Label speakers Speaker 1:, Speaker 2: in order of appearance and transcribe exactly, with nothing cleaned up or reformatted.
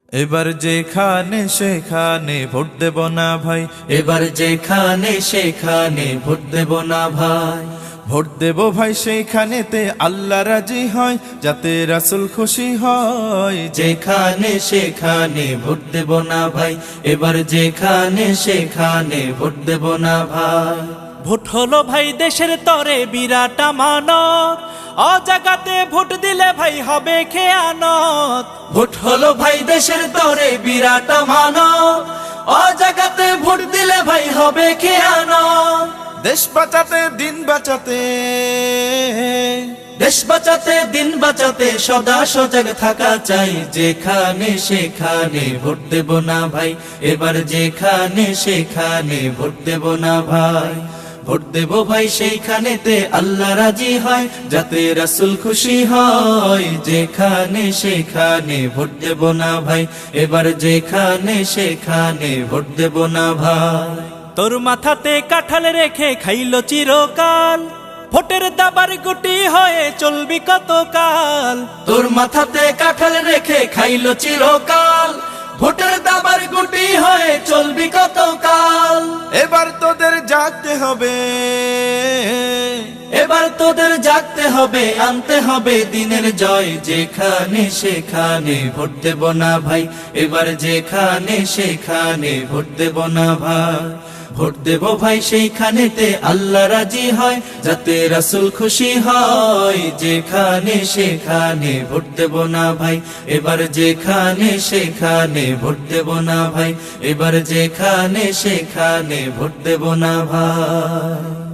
Speaker 1: এবার যেখানে সেখানে ভোট দেব না ভাই,
Speaker 2: এবার যেখানে সেখানে ভোট দেব না ভাই।
Speaker 1: ভোট দেব ভাই সেইখানেতে আল্লাহ রাজি হয়, যাতে রাসূল খুশি হয়।
Speaker 2: যেখানে সেখানে ভোট দেব না ভাই, এবার যেখানে সেখানে ভোট দেব না ভাই।
Speaker 3: ভোট হলো ভাই দেশের তরে বিরাট আমানত, অজাগাতে ভোট দিলে ভাই হবে খেয়ানত।
Speaker 2: ভোট হলো ভাই দেশের তরে বিরাট আমানত, অজাগাতে ভোট দিলে ভাই হবে খেয়ানত।
Speaker 1: দেশ বাঁচাতে দিন বাঁচাতে,
Speaker 2: দেশ বাঁচাতে দিন বাঁচাতে সদা সজাগ থাকা চাই। যেখানে সেখানে ভোট দেব না ভাই, এবার যেখানে সেখানে ভোট দেব না ভাই। ভোট দেব ভাই সেইখানেতে আল্লাহ রাজি হয়, যাতে রাসূল খুশি হয়। যেখানে সেখানে ভোট দেব না ভাই, এবার যেখানে সেখানে ভোট দেব না ভাই।
Speaker 3: তোর মাথাতে কাঁঠাল রেখে খাইলো চিরকাল, ভোটের দাবার গুটি হয়ে চলবি কতকাল।
Speaker 2: তোর মাথাতে কাঁঠাল রেখে খাইলো চিরকাল, ভোটের দাবার গুটি হয়ে চলবি কতকাল।
Speaker 1: এবার তোদের জাগতে হবে,
Speaker 2: এবার তোদের জাগতে হবে, আনতে হবে দিনের জয়। যেখানে সেখানে ভোট দেব না ভাই, এবার যেখানে সেখানে ভোট দেব না ভাই। ভোট দেব ভাই সেইখানেতে আল্লাহ রাজি হয়, যাতে রাসূল খুশি হয়। যেখানে সেখানে ভোট দেব না ভাই, এবার যেখানে সেখানে ভোট দেব না ভাই। এবার যেখানে সেখানে ভোট দেব না ভাই।